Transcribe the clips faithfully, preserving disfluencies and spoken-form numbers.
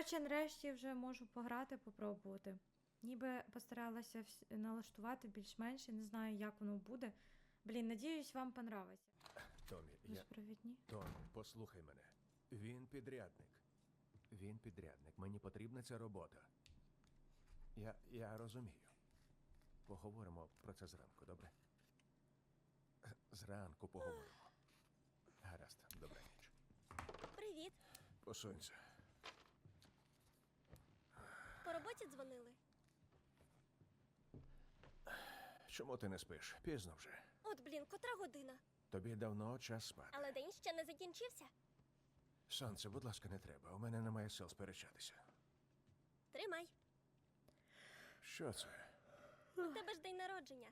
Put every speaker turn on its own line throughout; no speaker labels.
Коротше, нарешті вже можу пограти, попробувати. Ніби постаралася вс- налаштувати більш-менш, і не знаю, як воно буде. Блін, надіюсь, вам понравиться.
Томі, я...
Безпровідні.
Томі, послухай мене. Він підрядник. Він підрядник. Мені потрібна ця робота. Я, я розумію. Поговоримо про це зранку, добре? Зранку поговоримо. Гаразд, добра ніч.
Привіт.
Посунься.
По роботі дзвонили?
Чому ти не спиш? Пізно вже.
От, блін, котра година.
Тобі давно час спати.
Але день ще не закінчився.
Сонце, будь ласка, не треба. У мене немає сил сперечатися.
Тримай.
Що це?
У тебе ж день народження.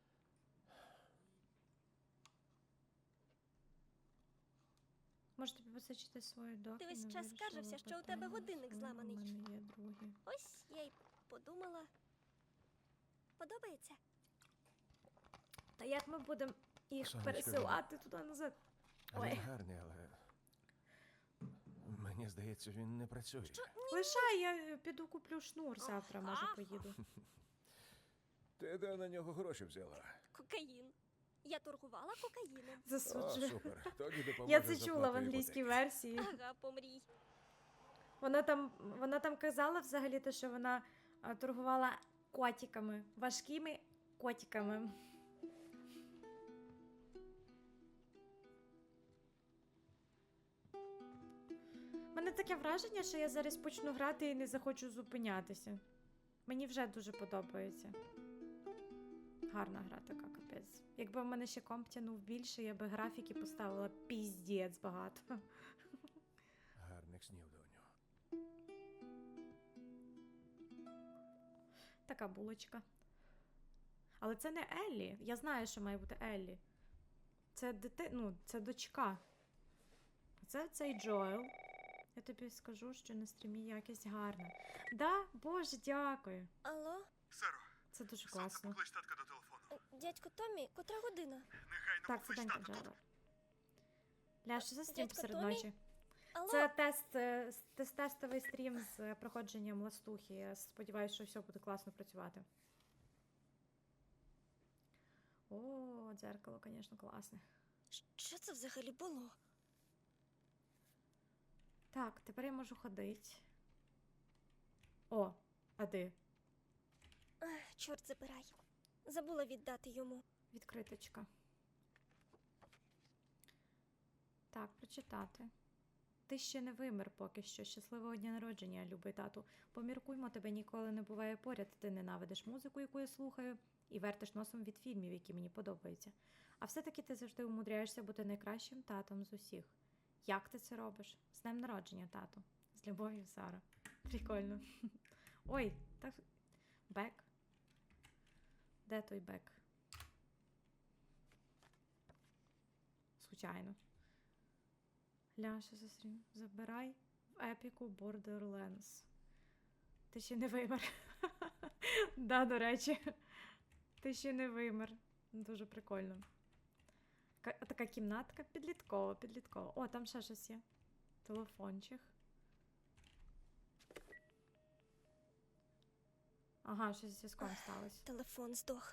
Може тобі посичити свою доку?
Ти весь
не
час
вирішила
скаржився, що у тебе
питання
годинник
своє,
зламаний.
У мене є другий.
Ось я й подумала. Подобається?
Та як ми будемо їх
Сонечко,
пересилати туди-назад? Ой.
Він гарний, але... Мені здається, він не працює.
Що?
Лишай, я піду куплю шнур завтра, може
Ага.
поїду.
Ти де на нього гроші взяла?
Кокаїн. Я торгувала кокаїном.
О,
Засуджую.
супер. Тоді допоможе
Я це
з
чула в
оплатою
англійській
іпотеки.
версії.
Ага, помрій.
Вона там, вона там казала взагалі, те, що вона а, торгувала котиками, важкими котиками. У мене таке враження, що я зараз почну грати і не захочу зупинятися. Мені вже дуже подобається. Гарна гра така, капець. Якби в мене ще комп тянув більше, я би графіки поставила піздець багато.
Гарних снів, доню.
Така булочка. Але це не Еллі. Я знаю, що має бути Еллі. Це дити... ну, це дочка. А це цей Джоел. Я тобі скажу, що на стрімі якість гарна. Да? Боже, дякую.
Алло?
Саро,
Це дуже
сонце,
класно.
поклич татка до телефону.
Е, Дядько Томі, котра година?
Негайно
Так, це
поклич
Данька
тата.
Джоел. Ля, що за стрім
Дядько
посеред
Томі?
ночі?
Алло?
Це тест, е, с- тест, тестовий стрім з е, проходженням ластухи. Я сподіваюся, що все буде класно працювати. О, дзеркало, звісно, класне.
Що це взагалі було?
Так, тепер я можу ходити. О, а де?
Ах, чорт забирай. Забула віддати йому.
Відкриточка. Так, прочитати. Ти ще не вимер поки що. Щасливого дня народження, любий тату. Поміркуймо, тебе ніколи не буває поряд. Ти ненавидиш музику, яку я слухаю, і вертиш носом від фільмів, які мені подобаються. А все-таки ти завжди умудряєшся бути найкращим татом з усіх. Як ти це робиш? З днем народження, тату. З любов'ю, Сара. Прикольно. Ой, так. Бек. Де той бек? Звичайно. Ляша засрім. Забирай в епіку Borderlands. Ти ще не вимер. Да, до речі. Ти ще не вимер. Дуже прикольно. Ка- Така кімнатка підліткова, підліткова. О, там ще щось є. Телефончик. Ага, щось зі зв'язком сталося.
Телефон здох.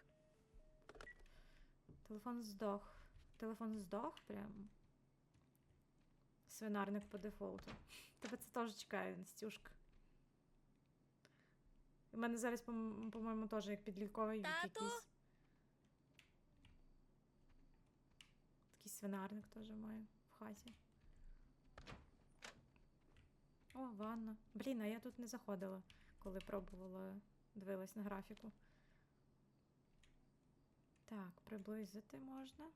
Телефон здох. Телефон здох прям. Свинарник по дефолту. Тебе це теж чекає, Настюшка. У мене зараз, по- по-моєму, теж як підлітковий вік
Тату?
якийсь. Такий свинарник теж має в хаті. О, ванна. Блін, а я тут не заходила, коли пробувала, дивилась на графіку. Так, приблизити можна.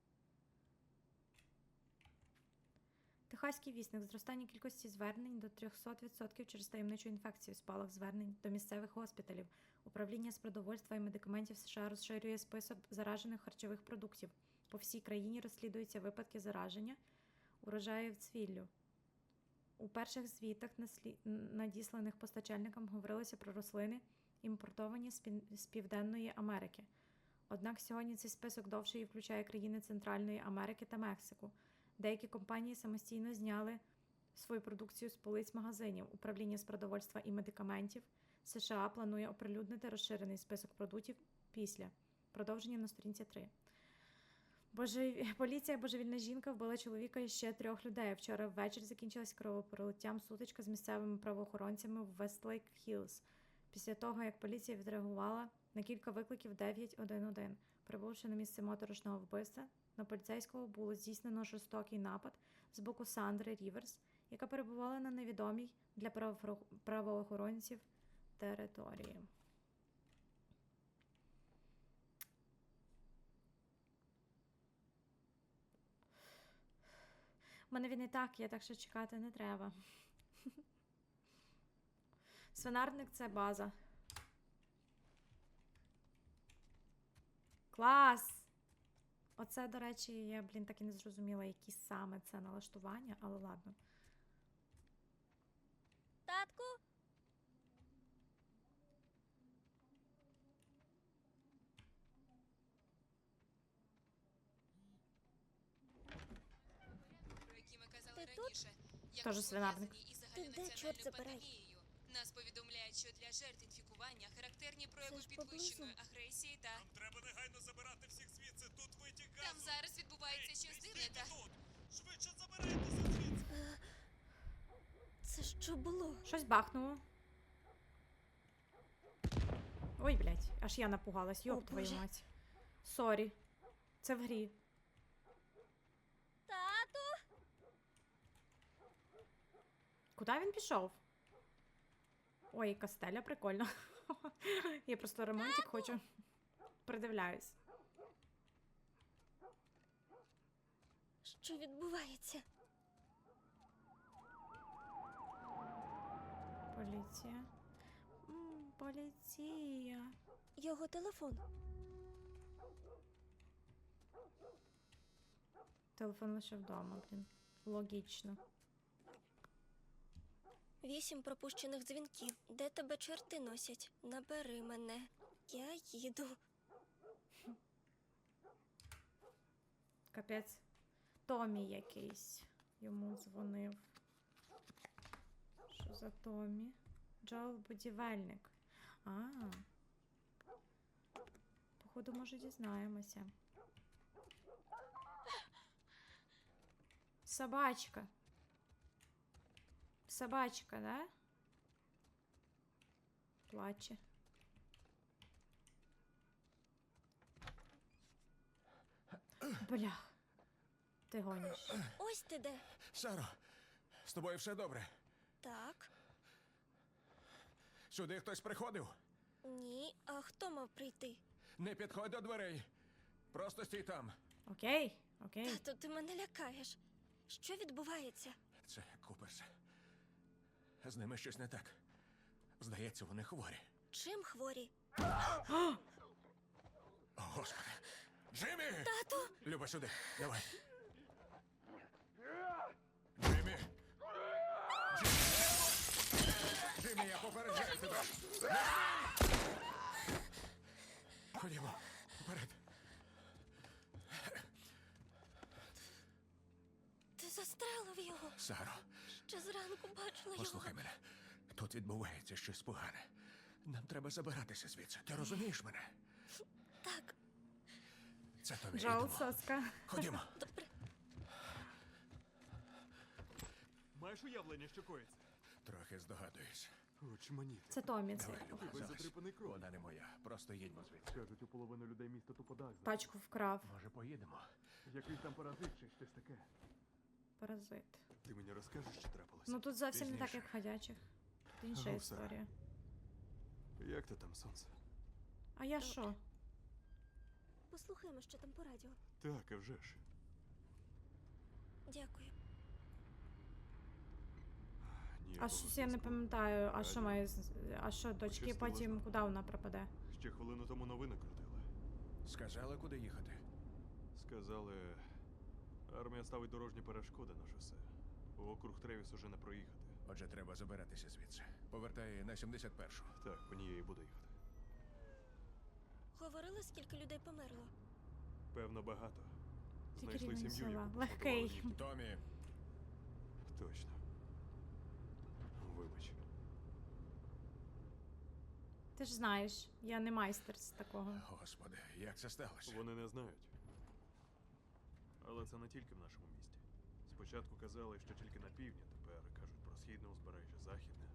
Техаський вісник. Зростання кількості звернень до триста відсотків через таємничу інфекцію. Спалах звернень до місцевих госпіталів. Управління з продовольства і медикаментів США розширює список заражених харчових продуктів. По всій країні розслідуються випадки зараження урожаїв цвіллю. У перших звітах, наслі- надісланих постачальникам, говорилося про рослини, імпортовані з Пін- з Південної Америки. Однак сьогодні цей список довший і включає країни Центральної Америки та Мексику. Деякі компанії самостійно зняли свою продукцію з полиць магазинів. Управління з продовольства і медикаментів США планує оприлюднити розширений список продуктів після. Продовження на сторінці три. Боже... Поліція божевільна жінка вбила чоловіка і ще трьох людей. Вчора ввечері закінчилась кровопролиттям сутичка з місцевими правоохоронцями в Вестлейк Хіллз. Після того, як поліція відреагувала на кілька викликів дев'ять один один. Прибувши на місце моторошного вбивства, на поліцейського було здійснено жорстокий напад з боку Сандри Ріверс, яка перебувала на невідомій для правоохоро- правоохоронців території. У мене він і так є, так що чекати не треба. Свинарник — це база. Клас! Оце, до речі, я, блін, так і не зрозуміла, які саме це налаштування, але ладно.
Татку?
Про які ми казали
Ти тут?
раніше, як
Тоже свинарник.
пов'язані із
Ти де, чорт
загальнонаціональною
забирай?
пандемією. Нас повідомляють, що для жертв інфікування характерні прояви
ж поблизу.
підвищеної агресії та
Нам треба негайно забирати всіх звідси. Тут витік газу.
там зараз відбувається
Ей,
щось
ей,
дивне
стійте
та
тут! Швидше забирайтеся звідси.
Це що було?
Щось бахнуло. Ой, блядь, аж я напугалась, йоп
О,
твою
Боже.
мать. Сорі. Це в грі.
Тату?
Куди він пішов? Ой, кастеля, прикольно. Я просто романтик хочу. Придивляюсь.
Що відбувається?
Поліція. М, поліція.
Його телефон.
Телефон лише вдома, блін. Логічно.
Вісім пропущених дзвінків. Де тебе чорти носять? Набери мене. Я їду.
Капець. Томі якийсь йому дзвонив. Що за Томі? Джоел будівельник. А. Походу, може, дізнаємося. Собачка. Собачка, да? Плаче. Бля. Ти гониш.
Ось ти де.
Саро, з тобою все добре?
Так.
Сюди хтось приходив?
Ні. А хто мав прийти?
Не підходь до дверей. Просто стій там.
Окей, окей.
Тату, ти мене лякаєш. Що відбувається?
Це Куперс. З ними щось не так. Здається, вони хворі.
Чим хворі?
О, Господи. Джиммі!
Тату!
Люба, сюди. Давай. Джиммі! Джиммі! Джиммі, я попереджаю тебе. Не смій! Ходімо. Вперед.
Ти застрелив його.
Саро,
Ще зранку бачила
послухай
його.
мене. Тут відбувається щось погане. Нам треба забиратися звідси. Ти розумієш мене?
Так,
Це тобі.
Джоел
Йдемо.
соска.
Ходімо.
добре.
Маєш уявлення, що коїться?
Трохи здогадуюсь.
Очманіти.
Це Томі, це.
Давай, Люба,
Весь
залазь.
затрипаний кров.
Вона не моя. Просто їдьмо звідси.
Кажуть, у половину людей міста тупо дах.
Тачку вкрав.
Може, поїдемо?
Якийсь там паразит чи щось таке.
Паразит.
Ти мені розкажеш, що трапилося?
Ну тут зовсім не так,
Пізніше.
як в ходячих. Тут інша
Ну, все.
історія.
Як ти там, сонце?
А я що?
Послухаємо, що там по радіо.
Так, а вже ж.
Дякую.
А
Ніякого
щось я не
зв'язку.
пам'ятаю, а що
Радіо.
має. з- А що, дочки
Пощастило
потім
знову.
куди вона пропаде?
Ще хвилину тому новини крутили.
Сказали, куди їхати?
Сказали, армія ставить дорожні перешкоди на шосе. У округ Тревіс уже не проїхати.
Отже, треба забиратися звідси. Повертай на сімдесят першу.
Так, по ній я і буду їхати.
Говорили, скільки людей померло?
Певно, багато.
Тільки
Знайшли
рівень
сім'ю,
села.
яку
Легкий.
посадували ніби.
Томі,
Точно.
Ти ж знаєш, я не майстер з такого.
Господи, як це сталося?
Вони не знають. Але це не тільки в нашому місті. Спочатку казали, що тільки на півдні, тепер кажуть про східне узбережжя, західне.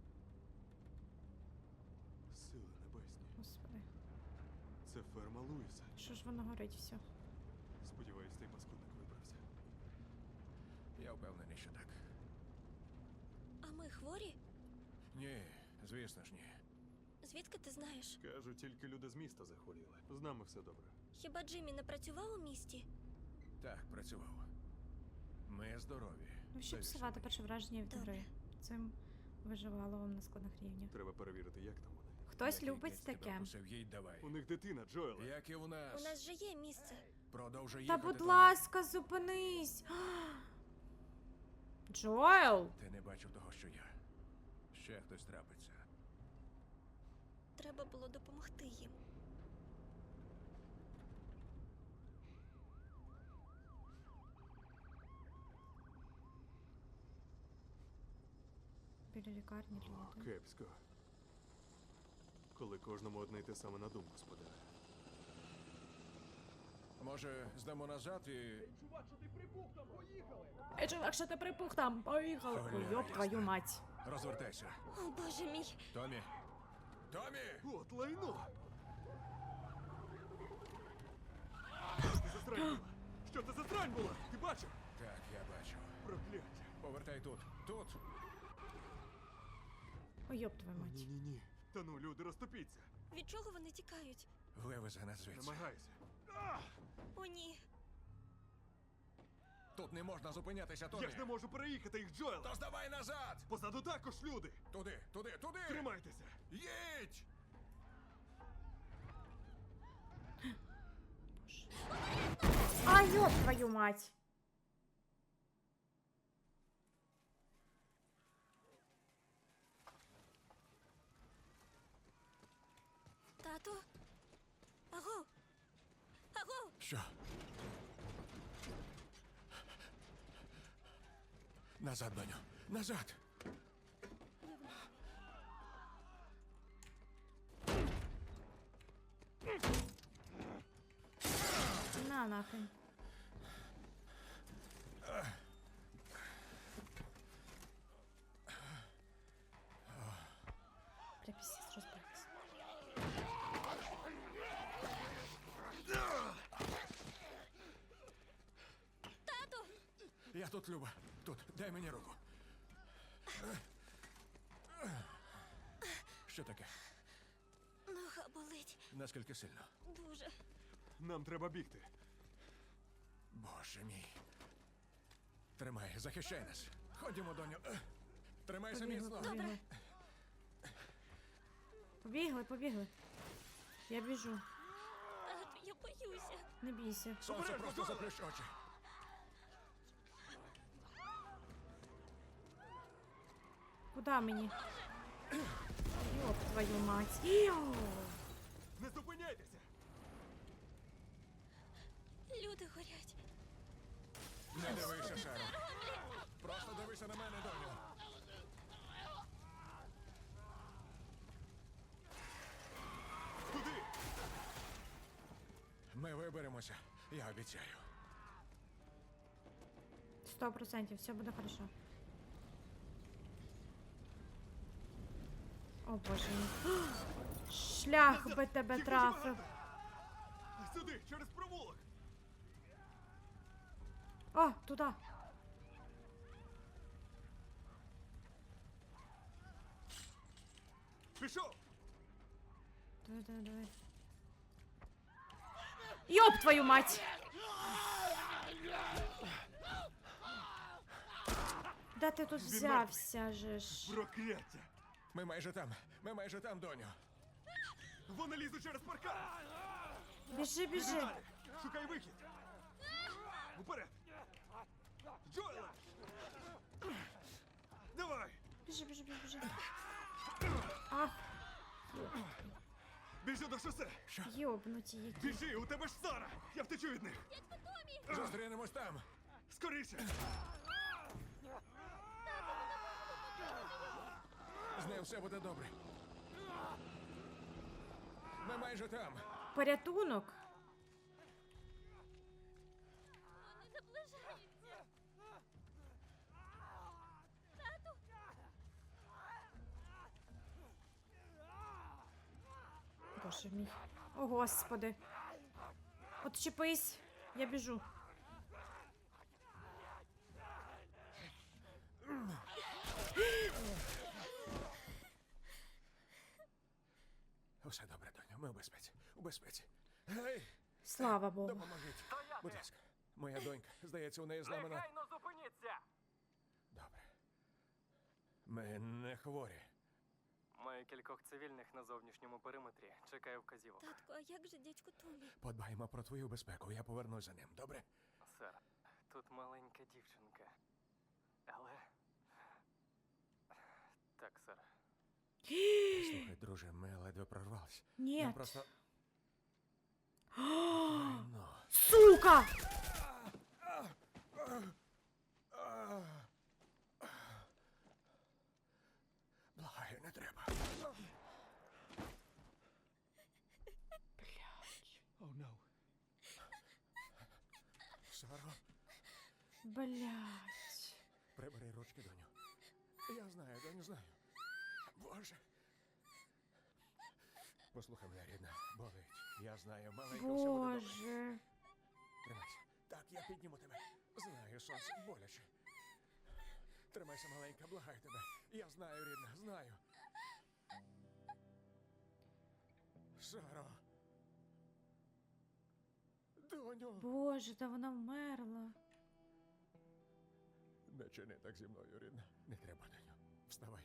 Сили небесні.
Господи,
Це ферма Луїса.
що ж воно горить все?
Сподіваюсь, цей паскудник вибрався.
Я впевнений, що так.
А ми хворі?
Ні, звісно ж ні.
Звідки ти знаєш?
Кажуть, тільки люди з міста захворіли. З нами все добре.
Хіба Джиммі не працював у місті?
Так, працював. Ми здорові.
Ну, щоб
Довірся
псувати
мені.
перше враження від
Добре.
гри. Цим виживаловим на складних рівнях.
Треба перевірити, як там вони.
Хтось
Який
любить
кець тебе
таке.
вкусив, їй давай.
У них дитина, Джоеле.
Як і у нас.
У нас же є місце.
Продовжуй
Та
їхати,
будь
Томі.
ласка, зупинись! Джоел!
Ти не бачив того, що я. Ще хтось трапиться.
Треба було допомогти їм.
Біля лікарні люди.
Кепсько. Коли кожному одне й те саме на думку спадає.
Може, здамо назад і...
Ей, чувак, що ти припух там? Поїхали!
Ой,
Ой, йоп
ясно.
твою мать!
Розвертайся.
О, боже мій!
Томі! Томі!
От лайно! Що це за срань була? Що це за срань була? Ти бачив?
Так, я бачу.
Прокляття.
Повертай тут. Тут.
Ой, йоп твою мать.
Ні-ні-ні. Та ну, люди, розтопіться.
Від чого вони тікають?
Вивези нас звідси.
Намагайся.
О, ні!
Тут не можна зупинятися, Томі.
Я ж не можу переїхати їх, Джоел!
То здавай назад!
Позаду також люди!
Туди, туди, туди!
Тримайтеся!
Їдь!
А, йоп твою мать!
Тато? Аго! Аго!
Що? Назад, доню. Назад!
На нахрен. Бля, пиздец, розберемось.
Тато!
Я тут, Люба. Тут. Дай мені руку. Що таке?
Нога болить.
Наскільки сильно?
Дуже.
Нам треба бігти.
Боже мій. Тримай, захищай нас. Ходімо, доню. Тримайся
Побігли,
міцно.
побігли. Побігли, побігли. Я біжу.
Тато, я боюся.
Не бійся.
Сонце, просто заплющ очі.
Куда мені? Йоп твою мать. Йоу.
Не зупиняйтеся!
Люди горять.
Не дивися, Шаро. Просто дивися на мене, доню.
Туди!
Ми виберемося, я обіцяю.
Сто процентів, все буде хорошо. О боже мій. Шлях би тебе
Їх дуже
трафив.
багато. Сюди, через провулок!
О, туди.
Пішов!
Давай, давай, давай. Йоп твою мать! Де ти тут
Він
взявся же ж?
Прокляття!
Ми майже там. Ми майже там, доню.
Вони лізуть через паркан!
Біжи, біжи.
Далі! Шукай вихід! Уперед! Джоеле! Давай!
Біжи, біжи, біжи, біжи. Ах,
Біжи до шосе!
йобнуті які.
Біжи, у тебе ж Сара! Я втечу від них!
Зустрінемось там.
Скоріше!
З ним все буде добре. Ми майже там.
Порятунок? Боже мій. О, Господи. Отчепись. Я біжу.
Усе добре, доню, ми у безпеці. У безпеці. Гей,
Слава Богу.
допоможіть. Будь ласка. Моя донька, здається, у неї зламана.
Негайно зупиніться!
Добре. Ми не хворі.
Маю кількох цивільних на зовнішньому периметрі. Чекаю вказівок.
Татку, а як же дядьку Томі?
Подбаємо про твою безпеку. Я повернусь за ним, добре?
Сер, тут маленька дівчинка. Але. Так, сер.
Слухай, друже, ми ледве прорвались.
Ні.
Нам просто. Ну.
Сука!
Благаю, не треба. О, no. Саро,
Блять.
прибери ручки, доню. Я знаю, доню, знаю. Боже. Послухай мене, рідна, болить. Я знаю, маленька, все буде добре.
Боже.
Тримайся. Так, я підніму тебе. Знаю, сонце, боляче. Тримайся, маленька, благаю тебе. Я знаю, рідна, знаю. Саро. Доню.
Боже, та вона вмерла.
Не чини так зі мною, рідна. Не треба, доню. Вставай.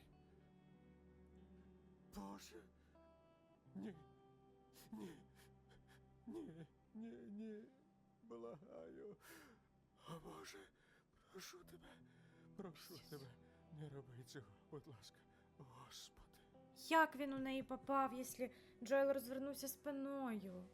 Боже. Ні. Ні. Ні. Ні, ні. Благаю. О, Боже. Прошу тебе. Прошу тебе. Не роби цього, будь ласка. Господи.
Як він у неї попав, якщо Джоел розвернувся спиною?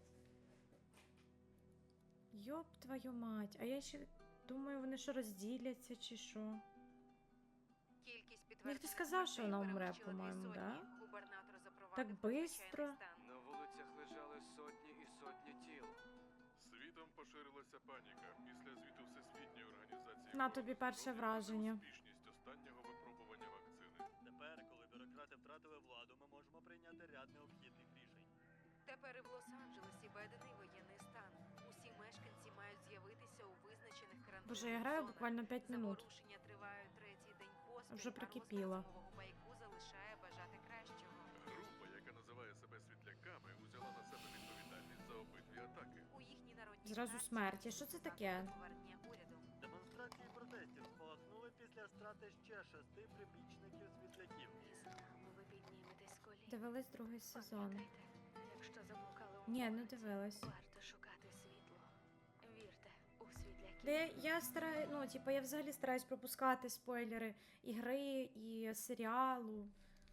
Йоп твою мать. А я ще думаю, вони що розділяться чи що?
Кількість
Мені хтось сказав, що вона умре, по-моєму, да? Так бистро.
На вулицях лежали сотні і сотні тіл. Світом поширилася паніка після звіту Всесвітньої організації.
На тобі перше
здоров'я
враження.
про успішність останнього випробування вакцини.
Тепер, коли бюрократи втратили владу, ми можемо прийняти ряд необхідних рішень.
Тепер і в Лос-Анджелесі введений воєнний стан. Усі мешканці мають з'явитися у визначених карантинних
Боже, я граю
зонах.
буквально п'ять минут.
Заворушення тривають третій день поспіль,
Вже
а
прикипіла.
розказ нового байку залишає бажати кращого.
Група, яка називає себе світляками, узяла на себе відповідальність за обидві атаки.
У їхній народній
Зразу
праці
смерть. І що це таке?
повернення уряду.
Демонстрації протестів спалахнули після страти ще шести прибічників світляків.
Із нами ви підніметесь з колін.
Дивилась другий сезон.
Пам'ятайте, якщо заблукали у
Ні, не
вулиці,
дивилась.
варто шукати світло. Вірте у світляків.
Де я стараю, ну, типу, я взагалі стараюсь пропускати спойлери ігри і серіалу.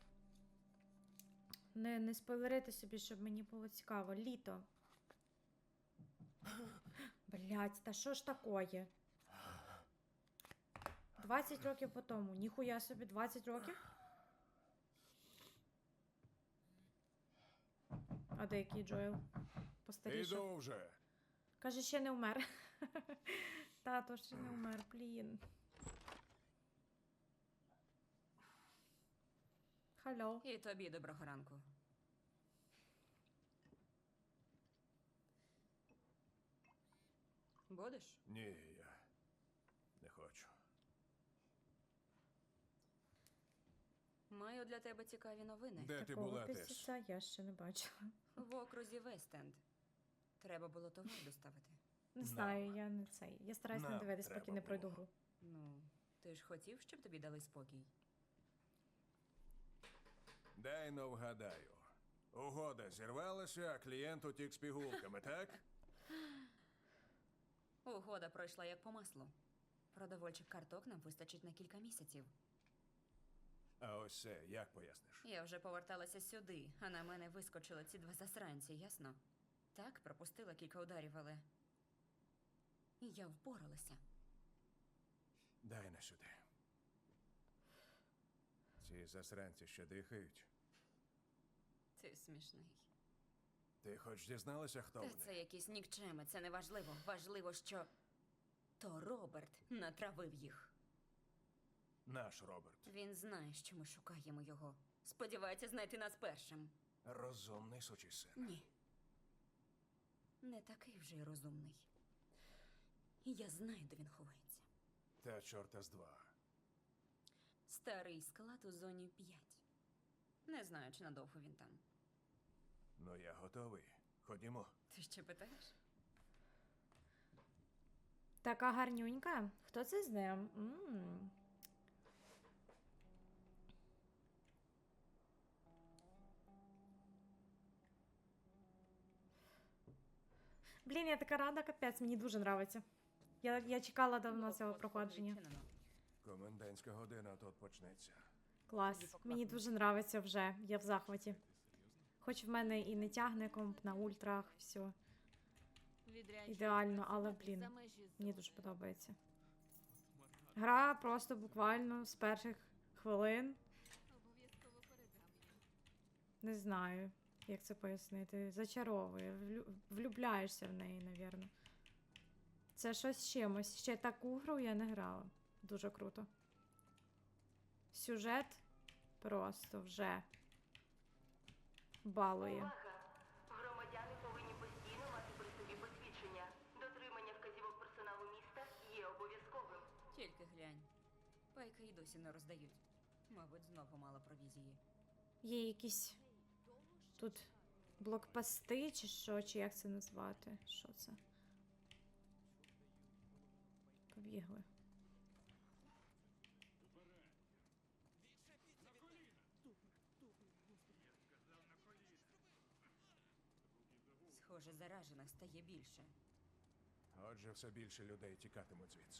Не, не спойлерити собі, щоб мені було цікаво. Літо. Блять, та що ж такое? двадцять років по тому. Ніхуя собі, двадцять років? А де який Джоел? Постарішав.
Іду вже.
Каже, ще не вмер. Тато ще не вмер, блін. Халло.
І тобі доброго ранку. Будеш?
Ні, я не хочу.
Маю для тебе цікаві новини.
Де ти
Такого
була, Тес?
пісяця я ще не бачила.
В окрузі Вестенд. Треба було товар доставити.
Не
Нам.
знаю, я не цей. Я стараюсь не
Нам
дивитись, поки
треба
не пройду
було.
гру.
Ну, ти ж хотів, щоб тобі дали спокій.
Дай но вгадаю. Угода зірвалася, а клієнт утік з пігулками, так?
Угода пройшла як по маслу. Продовольчих карток нам вистачить на кілька місяців.
А ось це як поясниш?
Я вже поверталася сюди, а на мене вискочили ці два засранці, ясно? Так, пропустила кілька ударів, але... І я впоралася.
Дай на сюди. Ці засранці ще дихають.
Ти смішний.
Ти хоч дізналася, хто
Та
вони?
це якісь нікчеми, це не важливо. Важливо, що то Роберт натравив їх.
Наш Роберт.
Він знає, що ми шукаємо його. Сподівається знайти нас першим.
Розумний сучий син.
Ні. Не такий вже й розумний. Я знаю, де він ховається.
Та чорта з два.
Старий склад у зоні п'ять. Не знаю, чи надовго він там.
Ну я готовий. Ходімо.
Ти ще питаєш?
Така гарнюнька. Хто це з ним? М. Блін, я така рада, капець, мені дуже нравиться. Я, я чекала давно цього проходження.
Відчинено.
Комендантська година тут почнеться.
Клас. Мені дуже нравиться вже. Я в захваті. Хоч в мене і не тягне комп на ультрах, все. Ідеально, але, блін, мені дуже подобається. Гра просто буквально з перших хвилин. Не знаю, як це пояснити. Зачаровує. Влю- Влюбляєшся в неї, навірно. Це щось з чимось. Ще таку гру я не грала. Дуже круто. Сюжет просто вже балує.
Громадяни повинні постійно мати при собі посвідчення. Дотримання вказівок персоналу міста є обов'язковим.
Тільки глянь. Пайки й досі не роздають. Мабуть, знову мало провізії.
Є якісь тут блокпости, чи що, чи як це назвати? Що це? Побігли.
Схоже, заражених стає більше.
Отже, все більше людей тікатимуть звідси.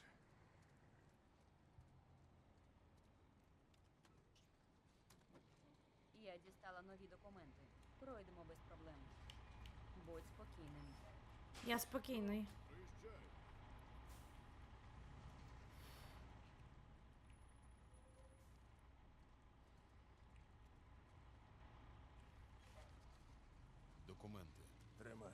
Я дістала нові документи. Пройдемо без проблем. Будь спокійним.
Я спокійний.
Документи.
Тримай.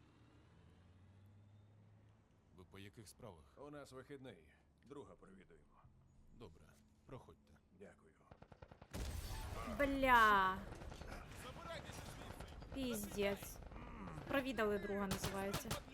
Ви по яких справах?
У нас вихідний. Друга провідуємо.
Добре, проходьте.
Дякую.
Бля. Піздець. Провідали друга називається.